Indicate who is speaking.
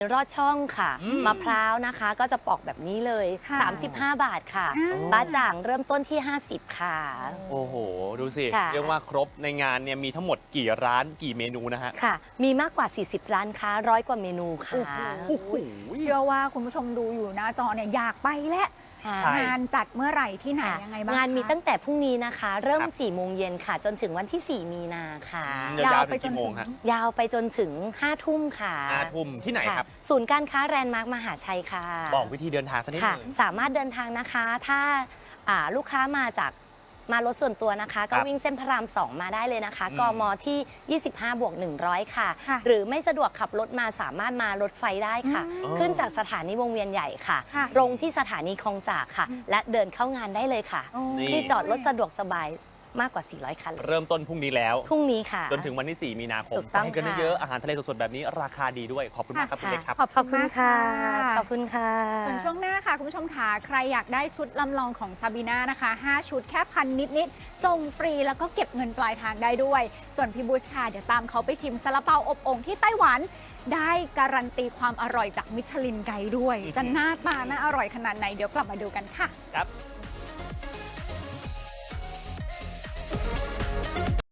Speaker 1: รอดช่องค่ะมะพร้าวนะคะก็จะปอกแบบนี้เลย35 บาทค่ะบ้าจ่างเริ่มต้นที่50ค่ะ
Speaker 2: โอ้โหดูสิ
Speaker 1: ค่ะ
Speaker 2: เรียกว่าครบในงานเนี่ยมีทั้งหมดกี่ร้านกี่เมนูนะฮะ
Speaker 1: ค่ะ มีมากกว่า40ร้านค้า100 กว่าเมนูค่ะ
Speaker 2: โอ้โห
Speaker 3: เชื่อว่าคุณผู้ชมดูอยู่หน้าจอเนี่ยอยากไปแล้ว
Speaker 1: ค่ะ
Speaker 2: ใช่
Speaker 3: งานจัดเมื่อไหร่ที่ไหน
Speaker 1: ค่ะ
Speaker 3: ยังไงบ้าง
Speaker 1: งานมี
Speaker 3: คะ
Speaker 1: ตั้งแต่พรุ่งนี้นะคะ เริ่ม
Speaker 2: ครับ
Speaker 1: 4 โมงเย็นค่ะ จนถึงวันที่ 4 มีนาค่ะ
Speaker 2: ยาวๆถึงกี่โมงฮะ
Speaker 1: ยาวไปจนถึง 5 ทุ่มค่ะ
Speaker 2: 5 ทุ่มที่ไหนครับ
Speaker 1: ะศูนย์การค้าแรนด์มาร์คมหาชัยค่ะ
Speaker 2: บอกวิธีเดินทางสักนิด
Speaker 1: ค่ะ
Speaker 2: หนึง
Speaker 1: สามารถเดินทางนะคะถ้าลูกค้ามารถส่วนตัวนะคะ ก็
Speaker 2: ครับ
Speaker 1: วิ่งเส้นพระราม 2 มาได้เลยนะคะ
Speaker 2: อืม
Speaker 1: กมที่ 25+100 ค่ะ
Speaker 3: ค่ะ
Speaker 1: หรือไม่สะดวกขับรถมาสามารถมารถไฟได้ค่ะ
Speaker 2: อืม
Speaker 1: ขึ้นจากสถานีวงเวียนใหญ่ค่ะ
Speaker 3: ค่ะ
Speaker 1: ลงที่สถานีคลองจากค่ะ และเดินเข้างานได้เลยค่ะ
Speaker 3: โอ้
Speaker 2: นี่
Speaker 1: ที่จอดรถสะดวกสบายมากกว่า 400 คันเลย
Speaker 2: เริ่มต้นพรุ่งนี้แล้ว
Speaker 1: พรุ่งนี้ค่ะ
Speaker 2: จนถึงวันที่ 4 มีนาคม
Speaker 1: ถูกต้อง
Speaker 2: ไปกัน
Speaker 1: ค่ะ
Speaker 2: เยอะๆอาหารทะเลสดๆแบบนี้ราคาดีด้วยขอบคุณมากครับคุณเล็กครับ
Speaker 1: ขอบคุณค่ะ
Speaker 3: ข
Speaker 1: ข
Speaker 3: อ
Speaker 1: อ
Speaker 3: บบ คุ
Speaker 1: คุณ ณค่ะ
Speaker 3: ส่วนช่วงหน้าค่ะ คุณผู้ชมค่ะใครอยากได้ชุดลำลองของซาบีน่านะคะ 5 ชุดแค่พันนิดๆส่งฟรีแล้วก็เก็บเงินปลายทางได้ด้วย ส่วนพี่บูชค่ะ เดี๋ยวตามเขาไปชิมซาลาเปาอบโอ่งที่ไต้หวัน ได้การันตีความอร่อยจากมิชลินไกด์ด้วย จะหน้าตาน่าอร่อยขนาดไหนเดี๋ยวกลับมาดูกันค่ะ
Speaker 2: ครับ